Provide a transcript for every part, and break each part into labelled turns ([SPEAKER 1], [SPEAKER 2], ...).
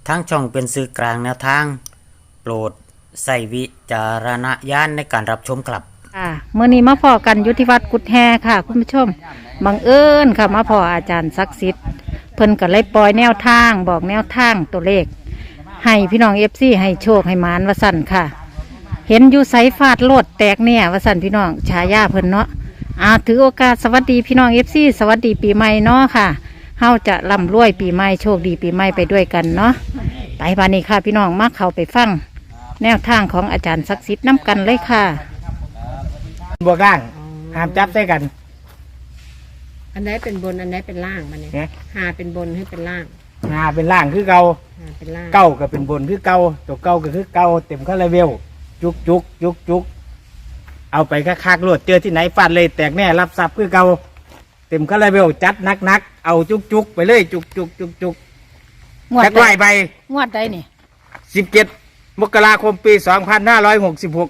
[SPEAKER 1] ทั้งช่องเป็นสื่อกลางแนวทางโปรดใส่วิจารณญาณในการรับชมครับ
[SPEAKER 2] เมื่อนี้มาพอกันยุทธิวัฒน์กุดแฮค่ะคุณผู้ชมบังเอิญค่ะมาพออาจารย์ศักดิ์สิทธิ์เพิ่นก็เลยปล่อยแนวทางบอกแนวทางตัวเลขให้พี่น้องFCให้โชคให้หมานวสั่นค่ะเห็นอยู่ไสฟาดโลดแตกเนี่ยวสั่นพี่น้องฉายาเพิ่นเนาะถือโอกาสสวัสดีพี่น้องFCสวัสดีปีใหม่เนาะค่ะเฮาจะร่ำรวยปีใหม่โชคดีปีใหม่ไปด้วยกันเนาะไปบานนี้ค่ะพี่น้องมาเข้าไปฟังแนวทางของอาจารย์ศักดิ์สิทธิ์น้ำกันเลยค่ะ
[SPEAKER 3] บวกล่างห้ามจับใส่กัน
[SPEAKER 4] อันไหนเป็นบนอันไหนเป็นล่างมันเนี่ยหาเป็นบนให้เป็นล่าง
[SPEAKER 3] หาเป็นล่างคือเก่า
[SPEAKER 4] หาเป็นล่าง
[SPEAKER 3] เก้าก็เป็นบนคือเก่าตัวเก่าก็คือเก่าเต็มคาราเบลจุกจุกจุกจุกเอาไปคักๆโลดเจอที่ไหนฟาดเลยแตกแน่รับทรัพย์คือเก่าเต็มคาราเบลจัดนักเอาจุกจุกไปเลยจุกจุกจุกจุกจักไล่ไป
[SPEAKER 2] งวดใดนี่
[SPEAKER 3] 17 มกราคมปี 2566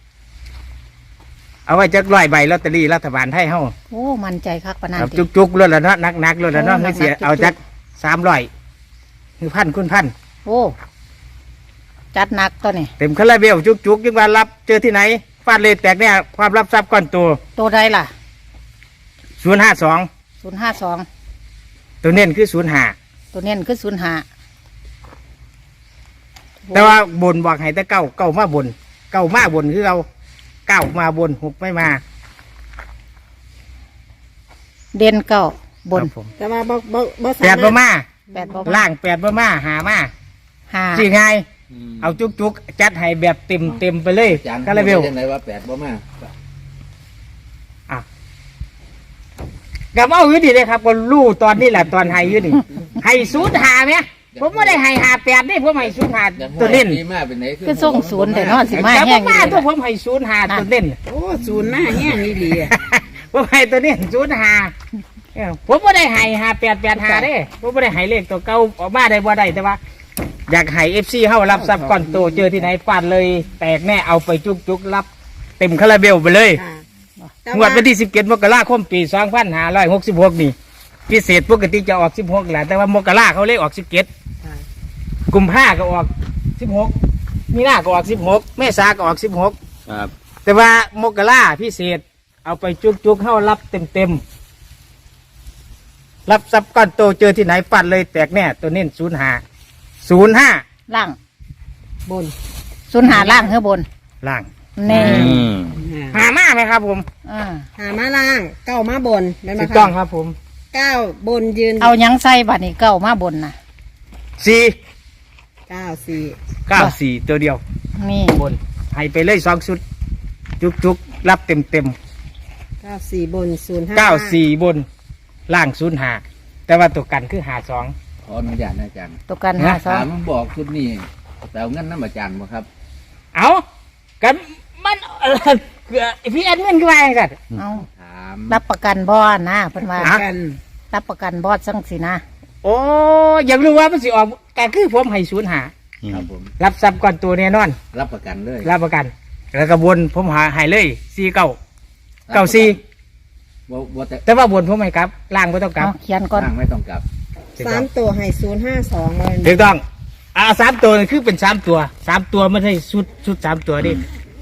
[SPEAKER 3] เอาไว้จักร้อยใบลอตเตอรี่รัฐบาลไทยเฮา
[SPEAKER 2] โอ้มันใจคักปานนั้น
[SPEAKER 3] จุกจุกรถละเนาะนักรถละเนาะไม่เสียเอาจัก300คือพันคุณพัน
[SPEAKER 2] โอ้จัดหนักตัวนี่
[SPEAKER 3] เต็มคาราเบลจุกยังว่ารับเจอที่ไหนฟาดเลยแตกเนี่ยความรับทรัพย์ก้อน
[SPEAKER 2] ตัวใดล่ะ
[SPEAKER 3] 052ตัวเน้นคือ05
[SPEAKER 2] ตัวเน้นคือ05
[SPEAKER 3] แต่ว่าบนบอกให้แต่เก้ามาบนคือเราเก้ามาบน6ไม่มา
[SPEAKER 2] เด่นเก้าบน
[SPEAKER 4] แต่ว่าบ่
[SPEAKER 3] แปดบ่มาล่าง8บ่มาหามาสิไงเอาจุกจัดให้แบบเต็มไปเลยคาราเบล
[SPEAKER 5] จังไดว่า8บ่มา
[SPEAKER 3] กับเอาอยู่ดีเลยครับก็รู้ตอนนี้แหละตอนให้อยู่นี่ให้05ไหมผมไม่ได้ให้58นี่ผมให้05ตัวเล่น
[SPEAKER 2] คือส่งศูนย์แต่นอนสิมาแห้ง
[SPEAKER 3] มาตัวผมให้05ตัวเล่น
[SPEAKER 4] โอ้ศูนย์หน้าแห้งนี่ดี
[SPEAKER 3] ผมให้ตัวนี้05ผมไม่ได้ให้5885เด้ผมไม่ได้ให้เลขตัวเก่าออกมาได้บ่ได้แต่ว่าอยากให้ FC เฮารับทรัพย์ก่อนโตเจอที่ไหนฟาดเลยแตกแน่เอาไปจุกรับเต็มคาราเบลไปเลยงวดวันที่17 มกราคมปี 2566นี่พิเศษปกติจะออก16แหละแต่ว่ามกราเขาเลขออก17กุมภาก็ออก16มีนาก็ออก16เมษาก็ออก16
[SPEAKER 5] ครับ
[SPEAKER 3] แต่ว่ามกราพิเศษเอาไปจุกเข้ารับเต็มรับทรัพย์ก้อนโตเจอที่ไหนปัดเลยแตกแน่ตัวเน้น05
[SPEAKER 2] ล่าง
[SPEAKER 4] บน
[SPEAKER 2] 05ล่างเฮ้อบน
[SPEAKER 3] ล่าง
[SPEAKER 2] นี่
[SPEAKER 3] หามาไหมครับผม
[SPEAKER 4] หามาล่างเก้ามาบน
[SPEAKER 3] ถูกต้องครับผม
[SPEAKER 4] 9บนยืน
[SPEAKER 2] เอายังใส่บัดนี้เก้ามาบนนะ
[SPEAKER 3] 94ตัวเดียว
[SPEAKER 2] นี่
[SPEAKER 3] บนให้ไปเลย2ชุดจุกรับเต็ม
[SPEAKER 4] 94บน
[SPEAKER 3] 94บนล่าง05แต่ว่าตัวกันคือ52
[SPEAKER 5] ขออนุญาตอาจารย์
[SPEAKER 2] ตัวกัน
[SPEAKER 5] ถามบอกชุดนี้แต่เอาเงินน้ำอาจารย์บ่ครับ
[SPEAKER 3] เอากันมันพี่แอดมินคือว่าไงกัน
[SPEAKER 2] เอารับประกันบอสนะเพิ่นว่ารับประกันบอสจังสินะ
[SPEAKER 3] โอ้อยากรู้ว่ามันสิออกแต่คือผมให้05
[SPEAKER 5] ครับผม
[SPEAKER 3] รับทรัพย์ก่อนตัวแน่นอน
[SPEAKER 5] รับประกันเลย
[SPEAKER 3] รับประกันแล้วก็บนผมให้เลย4994แต่ว่าบนผมให้กลับล่างไม่ต้องกลับ
[SPEAKER 2] เขียนก่อน
[SPEAKER 5] ล่างไม่ต้องกลับ
[SPEAKER 4] 3ตัวให้052เลย
[SPEAKER 3] ถูกต้อง3ตัวคือเป็น3ตัวไม่ใช่ชุด3ตัวดิ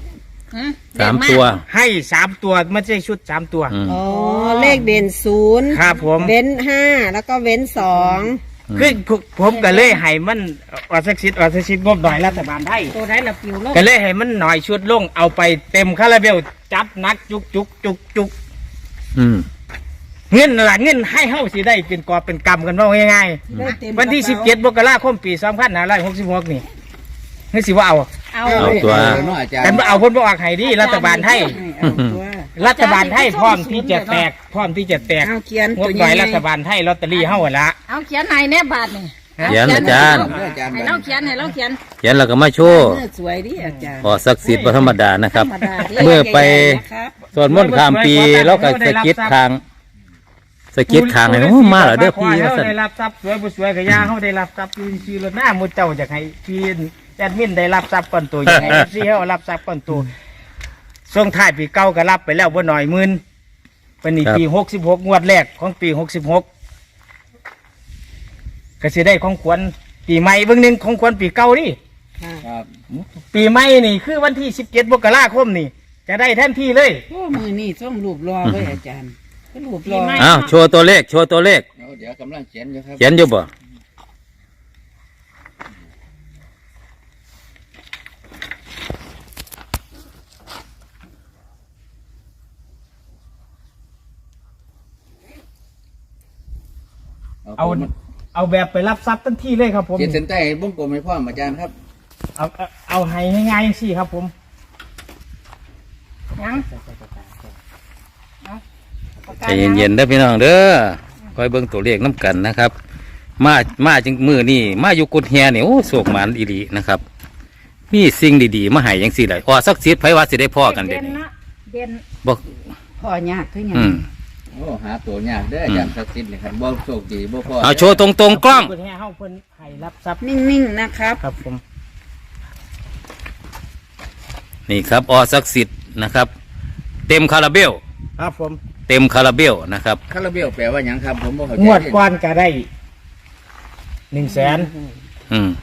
[SPEAKER 5] 3ตัว
[SPEAKER 3] ให้3ตัวไม่ใช่ชุด3ตัว
[SPEAKER 4] อ๋อเลขเด่น0
[SPEAKER 3] ครับผม
[SPEAKER 4] เว้น5แล้วก็เว้น2
[SPEAKER 3] คือผมก็เลยให้มันออสซิดงบหน่อยรัฐบาลไทย
[SPEAKER 4] ตัวไหนละปิวลง
[SPEAKER 3] ก็เลยให้มันหน่อยชุดลงเอาไปเต็มคาราเบลจัดนักจุกเงินหลังเงินให้เฮาสิได้เป็นกอบเป็นกำกันว่าง่ายๆวันที่17 มกราคมปี 2566นี่ให้สิว่าเอา
[SPEAKER 5] ตัว
[SPEAKER 3] แต่เอาคนบอกให้ดีรัฐบาลไทยพร้อมที่จะแตกงบหน่อยรัฐบาลไทยลอตเตอรี่เฮาละ
[SPEAKER 2] เอาเขียนไหนแน่บาทนี่
[SPEAKER 5] เขียนอาจารย์
[SPEAKER 2] ให้เราเขียน
[SPEAKER 5] แล้วก็มาโชว์
[SPEAKER 4] สวยดิอาจารย์
[SPEAKER 5] ขอศักดิ์สิทธิ์ธรรมดานะครับเมื่อไปสวดมนต์ข้ามปีแล้วก็สกิดทางให้มาแล้วเด้อพี่
[SPEAKER 3] เขาได้รับทรัพย์สวยกับยาเขาได้รับทรัพย์ยืนรถหน้ามุดเจ้าจากให้พี่แอดมินได้รับทรัพย์ก่อนตัวอย่างไรซีเขารับทรัพย์ก่อนตัวช่วงท้ายปีเก่าก็รับไปแล้วบ่หน่อยหมื่นเป็นปี66งวดแรกของปี66ก็สิได้ของขวัญปีใหม่เบิ่งหนึงของควรปีเก่านี่
[SPEAKER 6] ครับ
[SPEAKER 3] ปีใหม่นี่คือวันที่17 มกราคมนี่ จะได้ทันทีเลย
[SPEAKER 6] โอ้มือนี่ส่งรูปรอเลยอาจารย์ก็รูปรอ
[SPEAKER 5] อ้าวโชว์ตัวเลขโชว์ตัวเลข
[SPEAKER 6] เดี๋ยวกำลังเขียนอยู่ครับ
[SPEAKER 5] เขียนอยู่บ่
[SPEAKER 3] เอาแบบไปรับทรัพย์ทันทีเลยครับผม
[SPEAKER 6] เขียนเส้นใต้วงกลมให้พ่ออาจารย์ครับ
[SPEAKER 3] เอาให้ง่ายๆจังซี่ครับผม
[SPEAKER 2] ยัง
[SPEAKER 5] ใจเย็นๆเด้อพี่น้องเด้อคอยเบิ่งตัวเลขน้ำกันนะครับ มาจึงมือนี่มาอยู่กุดแฮนี่โอ้โศกหมานอีหลีนะครับมีสิ่งดีๆมาให้ยังสิได้อสักสิทธิ์ไผว่าสิได้พ่อกันเด็ด
[SPEAKER 2] เนาะเด่น
[SPEAKER 5] บอก
[SPEAKER 6] พ่อยากคือหยัง
[SPEAKER 5] อืม
[SPEAKER 6] โอ้หาตัวยากเด้ออาจารย์ศักดิ์สิทธิ์นี่ครับบ่โชคดีบ่พ่อ
[SPEAKER 5] เอาโชว์ตรงๆกล้อง
[SPEAKER 3] เพิ่นให้เฮาเพิ่นให้รับทรัพย์
[SPEAKER 6] นิ่งๆนะครับ
[SPEAKER 3] ครับผม
[SPEAKER 5] นี่ครับอสักสิทธิ์นะครับ เต็มคาราเบล
[SPEAKER 3] ครับผม
[SPEAKER 5] เต็มคาราเบลนะครับ
[SPEAKER 6] คาราเบลแปลว่าหยังครับผมบ่เข้าใจ
[SPEAKER 3] งวดก่อนก็ได้100,000
[SPEAKER 5] อืม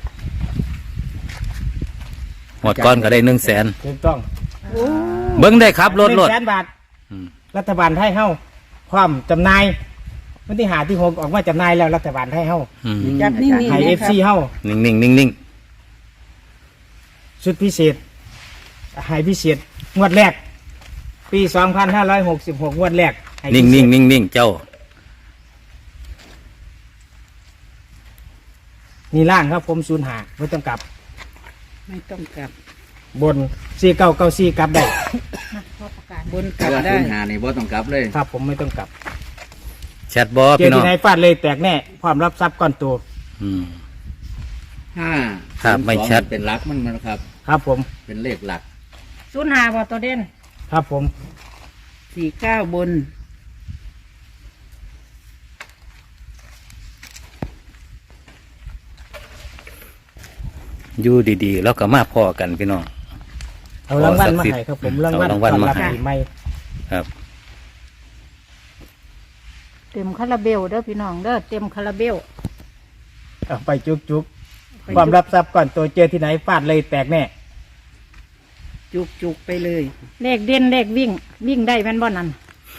[SPEAKER 5] หมดก้อนก็ได้100,000
[SPEAKER 3] ถูกต้อง
[SPEAKER 5] เบิ้งได้ครับรถ
[SPEAKER 3] 100,000 บาท
[SPEAKER 5] อืม
[SPEAKER 3] รัฐบาลไทยเฮาความจำหน่ายวันที่5ที่6ออกมาจำหน่ายแล้วรัฐบาลไทยเฮา
[SPEAKER 5] อืม
[SPEAKER 6] จับนิ่งๆ
[SPEAKER 3] ให้
[SPEAKER 6] นะครับ
[SPEAKER 3] FC เฮา
[SPEAKER 5] นิ่ง
[SPEAKER 3] ชุดพิเศษให้พิเศษงวดแรก ปี 2566 งวดแรกให้
[SPEAKER 5] ๆนิ่
[SPEAKER 3] พิ
[SPEAKER 5] ง
[SPEAKER 3] เศษ
[SPEAKER 5] ๆเจ้า
[SPEAKER 3] นี่ล่างครับผม05ไม่ต้องกลับ
[SPEAKER 6] ไม่ต้องกลับบ
[SPEAKER 3] น4994กลับได้
[SPEAKER 6] บนกลับได้หานี่บ่ต้องกลับเลย
[SPEAKER 3] ครับผมไม่ต้องกลับ
[SPEAKER 5] แชทบอ
[SPEAKER 3] เจอ
[SPEAKER 5] พี่น้อ
[SPEAKER 3] ที่
[SPEAKER 5] ง
[SPEAKER 3] ไหนฟาดเลยแตกแน่ความรับทรัพย์ก้อนโต
[SPEAKER 5] อืม
[SPEAKER 6] 5
[SPEAKER 5] ครับไม่ชัด
[SPEAKER 6] เป็นหลักมันนะครับ
[SPEAKER 3] ครับผม
[SPEAKER 6] เป็นเลขหลัก
[SPEAKER 2] 05บ่ตัวเด่น
[SPEAKER 3] ครับผม
[SPEAKER 6] 49บน
[SPEAKER 5] อยู่ดีๆ แล้วก็มาพอกันพี่น้อง
[SPEAKER 3] เอารางวัลมาให้ครับผมรางวัล
[SPEAKER 5] เอารางวัลมาให้
[SPEAKER 3] ต้อนรับปีใหม่
[SPEAKER 5] ครับ
[SPEAKER 2] เต็มคาราเบลเด้อพี่น้องเด้อเต็มคาราเบล
[SPEAKER 3] เอาไปจุกๆความรับทรัพย์ก้อนโตเจอที่ไหนฟาดเลยแตกแน่
[SPEAKER 6] จุกๆไปเลย
[SPEAKER 2] เลขเด่นเลขวิ่งได้แม่นบ่นั่น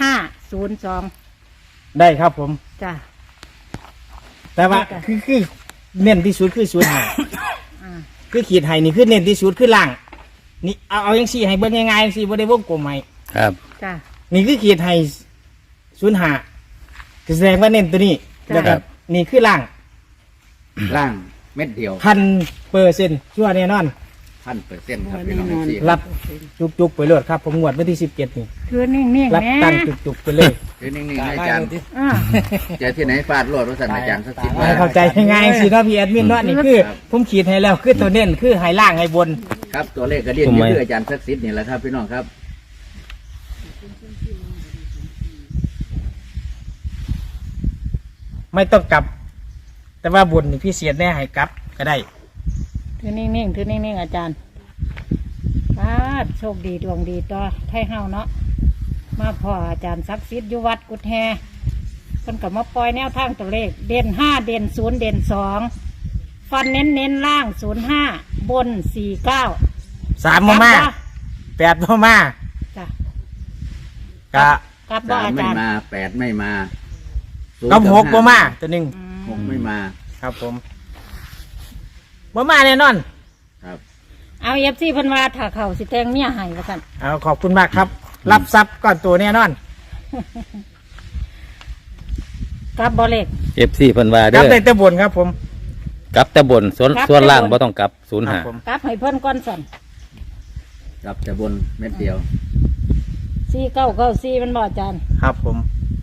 [SPEAKER 2] 502
[SPEAKER 3] ได้ครับผม
[SPEAKER 2] จ้ะ
[SPEAKER 3] แต่ว่า
[SPEAKER 2] ได้ค่ะ
[SPEAKER 3] คือเน้นที่สุดคือ05
[SPEAKER 2] อ่า
[SPEAKER 3] คือขีดไห้นี่คือเน้นที่สุดคือล่างนี่เอาอย่างสี่ให้เบิ่งง่ายๆสิบ่ได้วงกลมให้
[SPEAKER 5] ครับ
[SPEAKER 2] จ้ะ
[SPEAKER 3] นี่คือขีดไห้05คือแสดงว่าเน้นตัวนี้
[SPEAKER 2] จ้ะ
[SPEAKER 3] แล้วก็นี่คือล่าง
[SPEAKER 6] ล่างเม็ดเดียว
[SPEAKER 3] 1,000%ชั่วแน่นอน
[SPEAKER 6] 1,000%ครับพี่น้อง
[SPEAKER 3] รับจุกๆไปเลยครับผมงวดวันที่17นี่
[SPEAKER 2] คือนิ่งๆ
[SPEAKER 3] รับ
[SPEAKER 2] แม่
[SPEAKER 3] ตั้งจุกๆไปเลย
[SPEAKER 6] คือนิ่งๆให้อาจารย์
[SPEAKER 2] อ่า
[SPEAKER 6] เจอที่ไหนฟาดโลดว่าสั่นอาจารย์ศักดิ์สิทธิ์
[SPEAKER 3] ให้เข้าใจง่ายๆสิเนาะพี่แอดมินเนาะนี่คือผมขีดให้แล้วคือตัวเน้นคือไห้ล่างไห้บน
[SPEAKER 6] ครับตัวเลขกระเดียนนี่คืออาจารย์ศักดิ์สิทธิ์นี่แหละครับพี่น้องครับ
[SPEAKER 3] ไม่ต้องกลับ แต่ว่าบนนี่พี่เสียแน่ให้กลับก็ได้
[SPEAKER 2] ถือนิ่งๆถือนิ่งๆอาจารย์โชคดีดวงดีต่อไทยเฮาเนาะมาพ่ออาจารย์ศักดิ์สิทธิ์อยู่วัดกุดแฮเพิ่นก็มาปล่อยแนวทางตัวเลขเด่น5เด่น0เด่น2ฟันเน้นล่าง05บน49
[SPEAKER 3] 3มา8มา
[SPEAKER 2] จ้ะ
[SPEAKER 3] กะ
[SPEAKER 2] กลับบ่
[SPEAKER 6] 3
[SPEAKER 2] อา
[SPEAKER 6] ไม่
[SPEAKER 2] จารย์
[SPEAKER 6] มา8ไม่มา0
[SPEAKER 3] กับ6มาตัวหนึง
[SPEAKER 6] 6ไม่มา
[SPEAKER 3] ครับผมมาแน่นอน
[SPEAKER 6] ครับ
[SPEAKER 2] เอาFCเพิ่นว่าถ้าเขาสิแต่งเมียให้ว่าซั่น
[SPEAKER 3] เอาขอบคุณมากครับ รับทรัพย์ก่อนตัวแน่นอน
[SPEAKER 2] กลับบ่เลข
[SPEAKER 5] FC เพิ่นว่า
[SPEAKER 3] ค
[SPEAKER 5] เด้
[SPEAKER 3] รับ
[SPEAKER 5] อ
[SPEAKER 3] ได้แต่บนครับผม
[SPEAKER 5] กลับแต่บนส่วน
[SPEAKER 2] กลับ
[SPEAKER 5] ส่วนล่าง
[SPEAKER 2] แต่บน
[SPEAKER 5] บ่ต้องกลับ
[SPEAKER 3] ครับผม
[SPEAKER 5] 05
[SPEAKER 2] กลับให้เพิ่นก่อนสั่น
[SPEAKER 6] รับแต่บนเม็ดเดียว
[SPEAKER 2] 4994มันบ่อาจารย์
[SPEAKER 3] ครับผม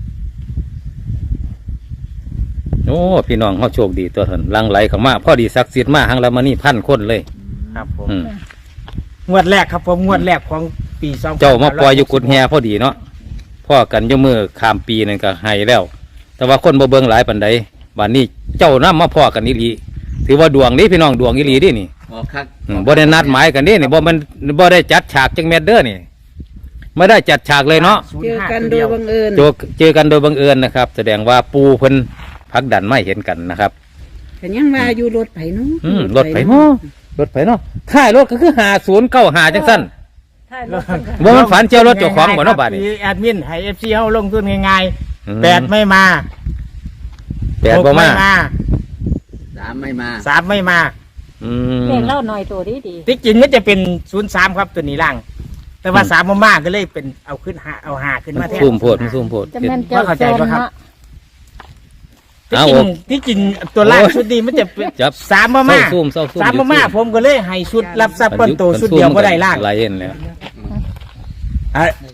[SPEAKER 5] โอ้พี่น้องเขาโชคดีตัวเถินหลังไหลเข้ามาพอดีศักดิ์สิทธิ์มาหังละมานี่1,000 คนเลย
[SPEAKER 3] ครับผม
[SPEAKER 5] อืม
[SPEAKER 3] งวดแรกครับผมงวดแรกของปี2
[SPEAKER 5] เจ้ามาปล่อยอยู่กุดแฮพอดีเนาะพ่อกันอยมือข้ามปีนั่นก็ให้แล้ว แต่ว่าคนบ่เบิ่งหลายปานใดบัดนี้เจ้านำมาพ่อกันอีหลีถือว่าดวงนี้พี่น้องดวงอีหลีเดินี่
[SPEAKER 6] ออกคัก
[SPEAKER 5] บ่ได้นัดหมายกันเดินี่บ่ได้จัดฉากจังแม่นเด้อนี่ไม่ได้จัดฉากเลยเนาะ
[SPEAKER 6] เจอกันโดยบังเอิญ
[SPEAKER 5] เจอกันโดยบังเอิญนะครับ แสดงว่าปูเพิ่นพักดันไม่เห็นกันนะครับ
[SPEAKER 4] แต่ยังว่าอยู่รถไผเนาะ
[SPEAKER 5] รถไผเนาะรถไผเนาะท้ายรถก็คือ5095จังซั่นบ่มันฝันเจ้ารถเจ้าของบ่เนาะบาดนี้
[SPEAKER 3] แอดมินให้ FC เฮาลงทุนง่าย
[SPEAKER 5] อืม
[SPEAKER 3] ๆ8ไม่มา
[SPEAKER 5] แปดบ่
[SPEAKER 3] 6
[SPEAKER 5] มา
[SPEAKER 6] 3ไม่มา
[SPEAKER 3] 3ไม่มา
[SPEAKER 2] เลขเล่าหน่อยตัวดีดี
[SPEAKER 3] ที่จริงมันจะเป็น03ครับตัวนี้ล่าง แต่ว่า3บ่มาก็เลยเป็นเอาขึ้น5เอา5ขึ้นมาแทน
[SPEAKER 5] ซุ่มโพดมันซุ่มโพด
[SPEAKER 2] จะแม่นเจ้า
[SPEAKER 3] เข้าใจปะครับ
[SPEAKER 2] เนาะ
[SPEAKER 3] ที่
[SPEAKER 5] เอา
[SPEAKER 3] จริงที่จริงตัวล่างชุดนี้มันจะเป็น
[SPEAKER 5] จับ
[SPEAKER 3] 3บ่มา
[SPEAKER 5] เศร้าซุ่มเศร้าซุ่ม
[SPEAKER 3] 3บ่มาผมก็เลยให้ชุดรับทรัพย์ก้อนโตชุดเดียวบ่ได้ล่าง
[SPEAKER 5] หลายเห็นแล้ว
[SPEAKER 3] อ่ะ